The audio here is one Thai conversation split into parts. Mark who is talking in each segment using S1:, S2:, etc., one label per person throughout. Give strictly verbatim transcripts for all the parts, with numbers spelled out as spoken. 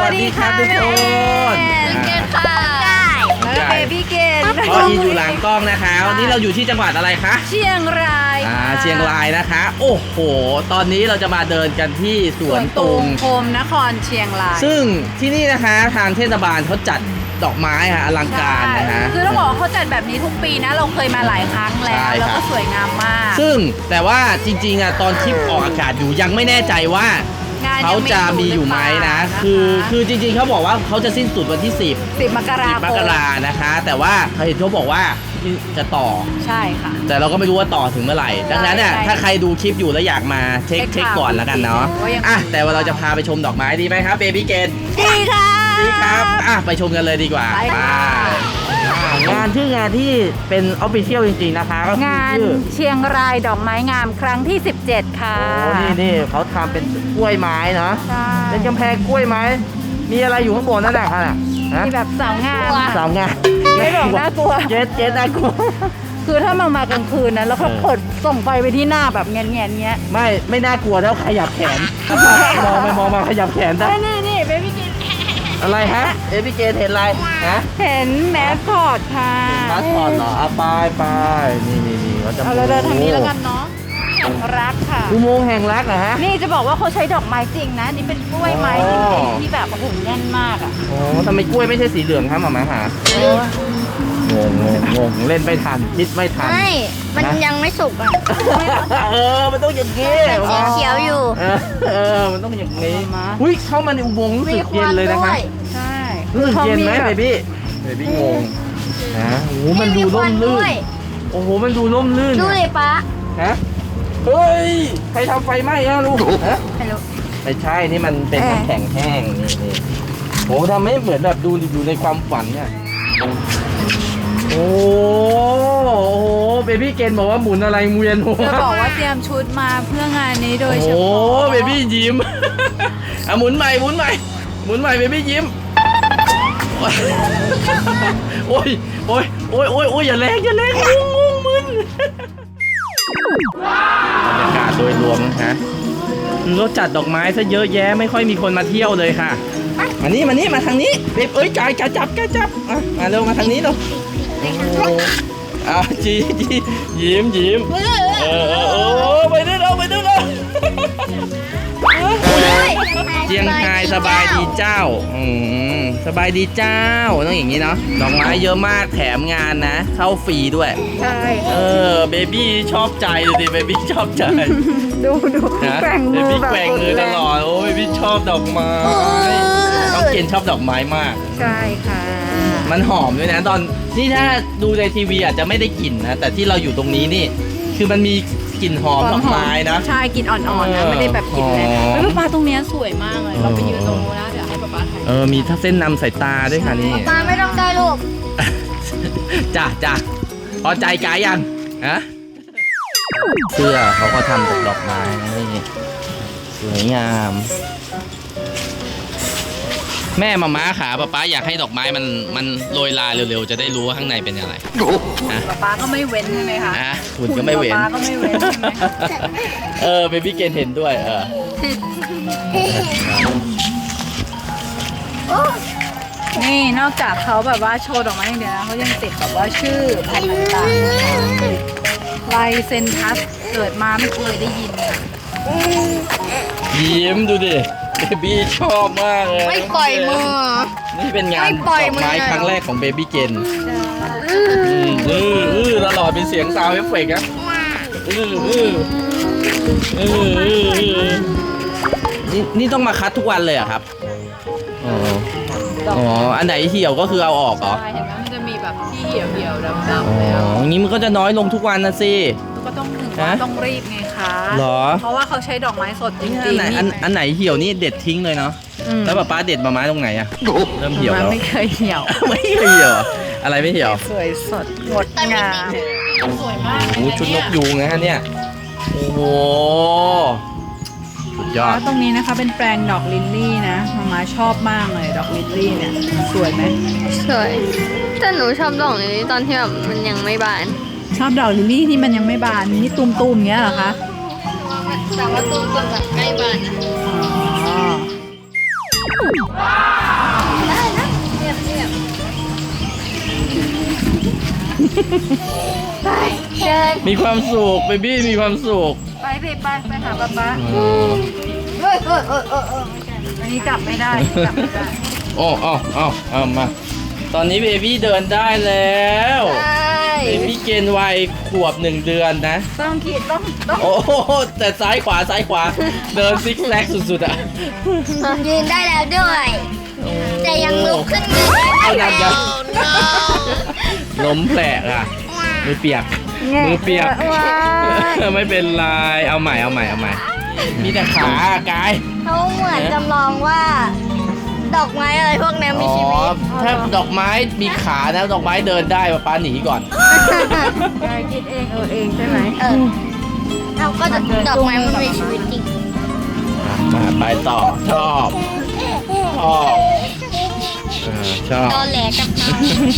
S1: วัสดีครับทุกคน
S2: เกนค่ะแล้วเบบี้เกน
S1: พ่ออีอยู่หลังกล้องนะคะวันนี้เราอยู่ที่จังหวัดอะไรคะ
S2: เชียงราย
S1: อ่าเชียงรายนะคะโอ้โหตอนนี้เราจะมาเดินกันที่สวนตุง
S2: โคมนครเชียงราย
S1: ซึ่งที่นี่นะคะทางเทศบาลเขาจัดดอกไม้ค่ะอลังการนะคะ
S2: คือต้องบอกว่าเขาจัดแบบนี้ทุกปีนะเราเคยมาหลายครั้งแล้วแล้วก็สวยงามมาก
S1: ซึ่งแต่ว่าจริงๆอ่ะตอนคลิปออกอากาศอยู่ยังไม่แน่ใจว่าเขาจะมีอยู่ไหมนะคือคือจริงๆเขาบอกว่าเขาจะสิ้นสุดวันที่สิบ
S2: สิบมกราคม
S1: มกรานะคะแต่ว่าเขาเห็นเขาบอกว่าจะต่อ
S2: ใช่ค่ะ
S1: แต่เราก็ไม่รู้ว่าต่อถึงเมื่อไหร่ดังนั้นเนี่ยถ้าใครดูคลิปอยู่แล้วอยากมาเช็คเช็คก่อนแล้วกันเนาะอ่ะแต่ว่าเราจะพาไปชมดอกไม้ดีไหมครับเบบี้เกน
S2: ดีค่ะ
S1: ดีครับอ่ะไปชมกันเลยดีกว่าไปงานชื่องานที่เป็นออฟฟิเชียลจริงๆนะคะก็คือง
S2: านเชียงรายดอกไม้งามครั้งที่สิบเจ็ดค่ะ
S1: โอ้นี่นี่เขาทำเป็นกล้วยไม้เนาะเป็นกำแพงกล้วยไม้มีอะไรอยู่ข้างบนนั่นแหละค่ะ
S2: มีแบบสาวงาม
S1: สาวงาม
S2: ไม่บอกน่ากลัว
S1: เจ๊เจ๊น่ากลัว
S2: คือถ้ามามากลางคืนนะแล้วเขาเปิดส่องไฟไปที่หน้าแบบเงี้ยเงี้ยเงี้ย
S1: ไม่ไม่น่ากลัวแล้วขยับแขนมองไปมองมาขยับแขนได้
S2: นี่นี่เบบี้เกน
S1: อะไรฮะเอพี่เกนเห็นอะไรฮะ
S2: เห็นแมสคอตค่ะ
S1: แมสคอตเหรออ่ะไปไปนี่นี่นี่เขาจะ
S2: เอาเราเดินทางนี้แล้วกันเนาะแห่งรักค่ะ
S1: อุโมงค์แห่งรักเหรอฮะ
S2: นี่จะบอกว่าเขาใช้ดอกไม้จริงนะนี่เป็นกล้วยไม้จริงที่แบบโอ้โหแน่นมากอ่ะ
S1: โอ้ทำไมกล้วยไม่ใช่สีเหลืองครับหมอมาหางงงงงเล่นไม่ทันคิดไม่ทัน
S3: ไม่มันยังไม่สุกอ่ะ
S1: เออมันต้องอย่างนี้
S3: เขียวอยู่
S1: เออมันต้องอย่างนี้อุ้ยเข้ามาในอุโมงค์รู้สึกเย็นเลยนะคะ
S2: ใช่
S1: รู้สึกเย็นไหมเบบี้เบบี้งงนะโอ้โหมันดูร่มรื่นโอ้โหมันดูร่มรื่น
S3: ดูเลยป้า
S1: ฮะเฮ้ยใครทำไฟไหม้อะลูกฮะ
S2: ไม่รู้
S1: ไม่ใช่นี่มันเป็นน้ำแข็งแห้งนี่นี่โอ้ทำให้เหมือนแบบดูอยู่ในความฝันเนี่ยโอ้โหเบบี้เกนบอกว่าหมุนอะไรเวียนหัว
S2: จะบอกว่าเตรียมชุดมาเพื่องานนี้โดยเฉพาะ
S1: โอ้เบบี้ยิ้มอ่ะหมุนใหม่หมุนใหม่หมุนใหม่เบบี้ยิ้มโอ้ยโอ้ยโอ้ยโอ้ยโอ้ยอย่าแรงอย่าแรงงงงมึนบรรยากาศโดยรวมนะคะรถจัดดอกไม้ซะเยอะแยะไม่ค่อยมีคนมาเที่ยวเลยค่ะมานี่มานี่มาทางนี้เอ้ยกายกายจับกายจับอ่ะมาเร็วมาทางนี้เร็วอ่ะจีจียิ้มยิ้มเออเออโอ้ไปด้วยเราไปด้วยเราเจียงไฮ้สบายดีเจ้าอืมสบายดีเจ้าต้องอย่างนี้เนาะดอกไม้เยอะมากแถมงานนะเข้าฟรีด้วย
S2: ใช่
S1: เออเบบี้ชอบใจดูดิเบบี้ชอบใจ
S2: ดูดูแกว่งมือแบบ
S1: แกว่งมือตลอดโอ้เบบี้ชอบดอกไม้ต้องเกณฑ์ชอบดอกไม้มาก
S2: ใช่ค่ะ
S1: มันหอมด้วยนะตอนนี่ถ้าดูในทีวีอาจจะไม่ได้กลิ่นนะแต่ที่เราอยู่ตรงนี้นี่คือมันมีกลิ่นหอมดอกไม้นะ
S2: ใช่กลิ่นอ่อนๆนะไม่ได้แบบกลิ่นแรงเฮ้ยป้าตรงนี้สวยมากเลยเราไปยืนตรงนู้นนะเดี๋ยวให้ป้าป้าถ่าย
S1: เออมีถ้าเส้นนำสายตาด้วยค่ะนี่
S3: ป้าไม่ต้องได้ลูก
S1: จ้ะจ้ะพอใจกายยังฮะเสื้อเขาก็ทำจากดอกไม้นี่สวยงามแม่มาม้าขาป้าป้าอยากให้ดอกไม้มันมันโรยลาเร็วๆจะได้รู้ว่าข้างในเป็นอะไร
S2: ป้าป้าก็ไม่เว้นใช่ไหมคะ
S1: อ่ะคุณก็ไม่เว้น
S2: ป้าก็ไม่เว้นใช่ไหม
S1: เออเบบี้เกนเห็นด้วยเออ
S2: นี่นอกจากเขาแบบว่าโชว์ดอกไม้อย่างเดียวนะเขายังติดแบบว่าชื่อพันธุ์ต่างๆลายเซนทัสเกิดมาไม่เคยได้ยิน
S1: ยิ้มดูดิเบบี้ชอบมากเลย
S3: ไม่ปล่อยมือ
S1: นี่เป็นงานดอกไม้ครั้งแรกของเบบี้เกนอืออือตลอดเป็นเสียงซาวด์เอฟเฟกต์นะอืออืออือนี่นี่ต้องมาคัดทุกวันเลยอะครับอ๋ออ๋ออันไหนเหี่ยวก็คือเอาออกเหรอ
S2: ใช่เห็นไหมมันจะมีแบบที่เหี่ยวเหี่ยวดำดำแล้ว
S1: อ๋ออย่างนี้มันก็จะน้อยลงทุกวันนะสิ
S2: ก็ต้องถึงต้องรีบไงคะ
S1: หรอ
S2: เพราะว่าเขาใช้ดอกไม้สดจริงๆ
S1: อันไหนอันไหนเหี่ยวนี่เด็ดทิ้งเลยเนาะแล้วป้าป้าเด็ดมาไม้ตรงไหนอะเริ่มเหี่ยวแล้ว
S2: ไม่เคยเหี่ยว
S1: ไม่เคยเหี่ยวอะไรไม่เหี่ยว
S2: สวยสดงดงามสวยมาก
S1: โอ้ชุดนกยูงนะฮะเนี่ยโอ้โหสุดยอด
S2: ตรงนี้นะคะเป็นแปลงดอกลิลลี่นะมาม่าชอบมากเลยดอกลิลลี่เนี่ยสวยไหม
S3: สวยแต่หนูชอบดอกนี้ตอนที่แบบมันยังไม่บาน
S2: ชอบดอกลิลลี่ที่มันยังไม่บานนี่ตุ่มๆเงี้ยเหรอคะ
S3: แต่ว่าตุ่มๆแบบใกล้บานนะ
S2: อ๋อ
S3: เดิน
S1: มีความสุขเบบี้มีความสุข
S2: ไปสิไปไปหาป๊าป๊า
S1: อืม
S2: เฮ้ยเออเออเออเออไม่ใช่อันนี้จับไม่ได้จับไม่ได้
S1: โอ้เอาเอาเอามา ตอนนี้เบบี้เดินได้แล้ว
S3: ใช่
S1: เบบี้เกณฑ์วัยขวบหนึ่งเดือนนะ
S2: ต้องขีดต้องต้อง
S1: โอ้โหแต่ซ้ายขวาซ้ายขวา เดินซิกแซกสุดๆอ่ะ
S3: ยืนได้แล้วด้วย แต่ยังลุกขึ้นไม่ได้
S1: เอาหนักยังล้มแผลกอ่ะมือเปียก มือเปียก
S2: ว้า
S1: ไม่เป็นไร เอาใหม่เอาใหม่เอาใหม่ มีแต่ขาอะกาย
S3: เขาเหมือนจำลองว่า ดอกไม้อะไรพวกนี้มี
S1: อ๋อ
S3: ชีวิต
S1: ถ้าดอกไม้มีขานะดอกไม้เดินได้ป้าป้าหนีก่อน
S2: ยายคิดเองเออเองใช่ไหม
S3: เออเราก็จะดอกไม้มันมีชีวิตจริง
S1: มาไปต่อชอบชอบอ่าชอบ
S3: ตอแหลกับน้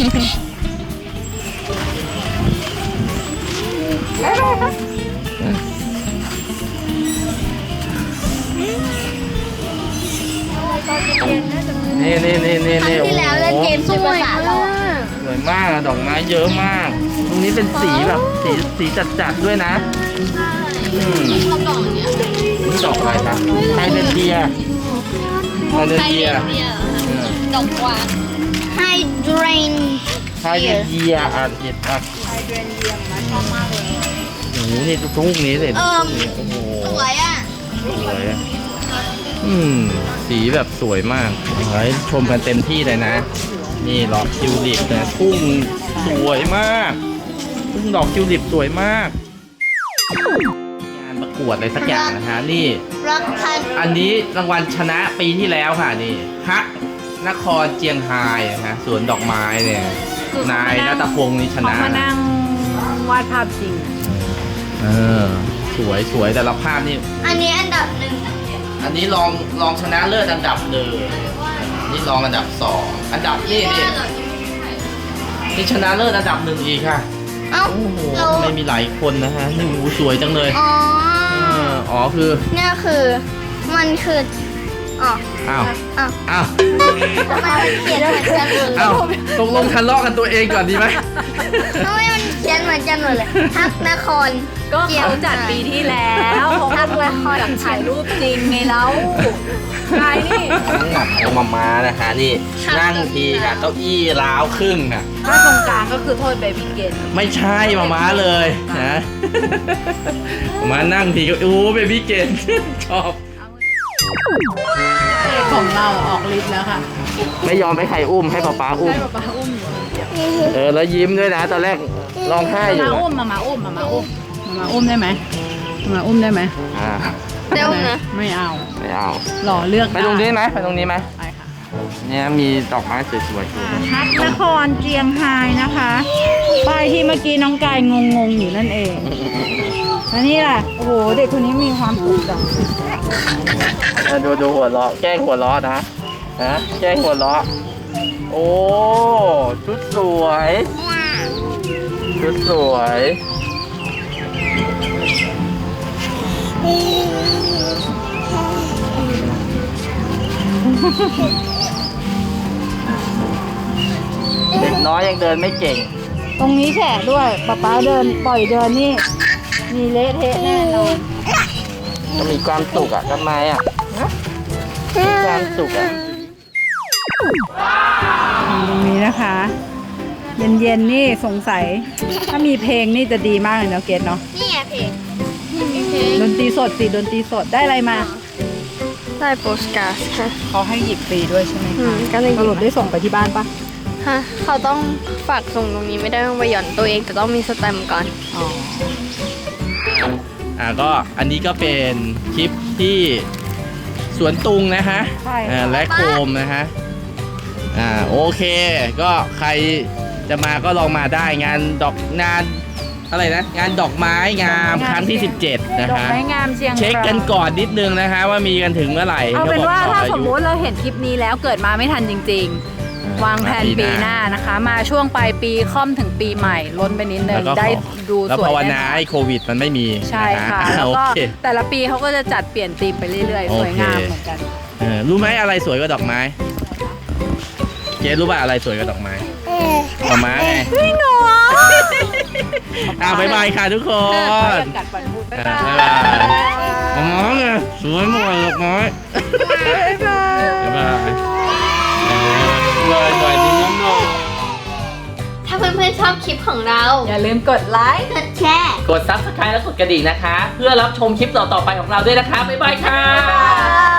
S1: นี่นี่นี่นี่
S3: ำครั้
S1: นี่
S3: งที่แล้วเล่นเกมสุภาษาเรา
S1: สวยมากอะดอกไม้เยอะมาก ตรงนี้เป็นสีแบบสีสีจัดๆด้วยนะอืม
S3: ชอบดอกเนี้ย
S1: นี่ดอกอะไรครับไฮเดรนเดียไฮเดรน
S3: ไฮ
S1: เดีย
S3: เดรนเดียดอกกวางไฮเดรน
S1: ไฮเดรนเดียอ่านผิดอ่ะ
S2: ไฮเดรนเยียมนะชอบมากเลย
S1: โอ้โหนี่ทุกนี้เลย
S3: เอิ่ม
S1: โอ้โห
S3: สวยอ่ะ
S1: สวยอะอืม สีแบบสวยมากขอให้ชมกันเต็มที่เลยนะ นี่ดอกทิวลิปนะทุ่งสวยมากทุ่งดอกทิวลิปสวยมาก งานประกวดอะไรสักอย่างนะฮะ นี่
S3: รักพัน
S1: อันนี้รางวัลชนะปีที่แล้วค่ะนี่ฮักนครเจียงไฮ้นะฮะสวนดอกไม้เนี่ย นายนัตพงศ์นี่ช
S2: เขา
S1: นะ
S2: มานั่งวาดภาพจริง
S1: เออ สวยสวยแต่ละภาพนี่
S3: อันนี้อันดับหนึ่ง
S1: อันนี้รองรองชนะเลิศอันดับหนึ่งนี่รองอันดับสองอันดับนี่นี่นี่ชนะเลิศอันดับหนึ่งอีกค่ะ
S3: เอ้า
S1: โอ้โห
S3: เรา
S1: ทำไมมีหลายคนนะฮะนี่โอ้โหสวยจังเลย
S3: อ๋อ
S1: เอออ๋อคือ
S3: เนี่ยคือมันคืออ๋อ
S1: อ้าว
S3: อ้าว
S1: อ้าว
S3: ทำไมมันเขียนเหมือนกันหมดเลย
S1: อ้าวตกลงทะเลาะกันตัวเองก่อนดีไหม
S3: ทำไมมันเขียนเหมือนกันหมดเลยทักนคร
S2: ก็เขาจัดปีที่แล้วเขาก็รวมอยากถ่ายรูปจริงไงแล้วกายนี่
S1: เอามามานะฮะนี่นั่งทีค่ะเก้าอี้ร้าวครึ่งน่ะ
S2: ถ้าตรงกลางก็คือโทษเบบี้เกน
S1: ไม่ใช่มาม้าเลยนะมานั่งทีก็โอ้เบบี้เกนชอบ
S2: ของเราออกฤทธิ์แล้วค่ะ
S1: ไม่ยอมให้ใครอุ้มให้ป๊าป๊าอุ้ม
S2: ได้ป๊าป๊าอุ้มอยู่
S1: เออแล้วยิ้มด้วยนะ ตอนแรกร้องไห้อยู่
S2: มา
S1: นะ
S2: อุ้มมามาอุ้มมามาอุ้มมามาอุ้มได้ไหมมามาอุ้มได้ไหม
S1: อ่า
S3: เดี๋ยวนะ
S2: ไม่เอา
S1: ไม่เอา
S2: หล่อเลือก
S1: ไปตรงนี้ไหมไปตรงนี้ไหม
S2: ไปค่ะ
S1: เนี่ยมีดอกไม้สวยๆอยู่
S2: ฮักนครเจียงไฮ้นะคะป้ายที่เมื่อกี้น้องกายงงๆอยู่นั่นเองอันนี้ล่ะโอ้โหเด็กคนนี้มีความสุขจัง
S1: เออดูดูหัวเราะแกล้งหัวเราะนะฮะแกล้งหัวเราะโอ้ชุดสวยชุดสวยเด็กน้อยยังเดินไม่เก่ง
S2: ตรงนี้แฉะด้วยป๊าป๊าเดินปล่อยเดินนี่มีเละเทะแน่นอน
S1: ก็มีความสุขอ่ะทำไมอ่ะมีความสุขอ่ะ
S2: ตรงนี้นะคะ เย็นๆนี่สงสัย ถ้ามีเพลงนี่จะดีมากเลยเนาะเกดเนาะ
S3: นี่ไงเพลง
S2: ดนตรีสดสิดนตรีสดได้อะไรมา
S3: ได้โปสการ์ดค่ะ
S2: เขาให้หยิบฟรีด้วยใช่ไหม
S3: อื
S2: คะ
S3: มก็เลยหยิบ
S2: สรุปได้ส่งไปที่บ้านปะ
S3: ฮะเขาต้องฝากส่งตรงนี้ไม่ได้ต้องไปหย่อนตัวเองแต่ต้องมีสแตมป์ก่อน
S2: อ๋อ
S1: อ่าก็อันนี้ก็เป็นคลิปที่สวนตุงนะฮะ
S2: ใช่
S1: อ่า
S2: ค่ะ
S1: และโคมนะฮะอ่าโอเค ก็ใครจะมาก็ลองมาได้งานดอกงานอะไรนะ งานดอกไม้งามครั้งที่ สิบเจ็ด นะ
S2: ดอก
S1: ฮะ
S2: ไม้งามเชียง
S1: เช็คกันก่อนนิดนึงนะคะว่ามีกันถึงเมื่อไหร่
S2: เอาเป็น
S1: ขบก
S2: ว่า
S1: ต่อ
S2: ถ้า
S1: อา
S2: ส
S1: ยุ
S2: มมุติเราเห็นคลิปนี้แล้วเกิดมาไม่ทันจริง ๆ วางแผนปีหน้านะคะ มาช่วงปลายปีค่อมถึงปีใหม่ล้นไปนิดนึ
S1: แล้
S2: ง
S1: วก็
S2: ได้
S1: ขอ
S2: ดู
S1: แล้ว
S2: สวย
S1: ภาว
S2: แน่
S1: นาน
S2: อน
S1: ให้โควิดมันไม่มี
S2: ใช่
S1: นฮ
S2: ค่ะ แล้ว
S1: โอ
S2: ก็
S1: เค
S2: แต่ละปีเขาก็จะจัดเปลี่ยนธีมไปเรื่อยๆ สวยงาม
S1: โอเค
S2: เหมือนกัน
S1: เออรู้ไหมอะไรสวยกว่าดอกไม้ เกรซรู้ป่ะอะไรสวยกว่าดอกไม้ดอกไม้ไง
S2: จริงเหรอ
S1: บ๊ายบายค่ะทุกคน
S2: กัดปันพูดบ๊าย
S1: อ่ะ
S2: บาย
S1: บ๊ายบายอ๋อไงสวยหมดเลยน้อย
S2: บ๊ายบาย
S1: บ๊ายบายบ๊ายบายดีน้องน้อง
S3: ถ้าเพื่อนๆชอบคลิปของเรา
S2: อย่าลืมกดไลค์
S3: กดแชร์
S1: กด ซับสไครบ์ และกดกระดิ่งนะคะ เพื่อรับชมคลิปต่อๆไปของเราด้วยนะคะ บ๊ายบายค่ะ
S2: บ๊ายบาย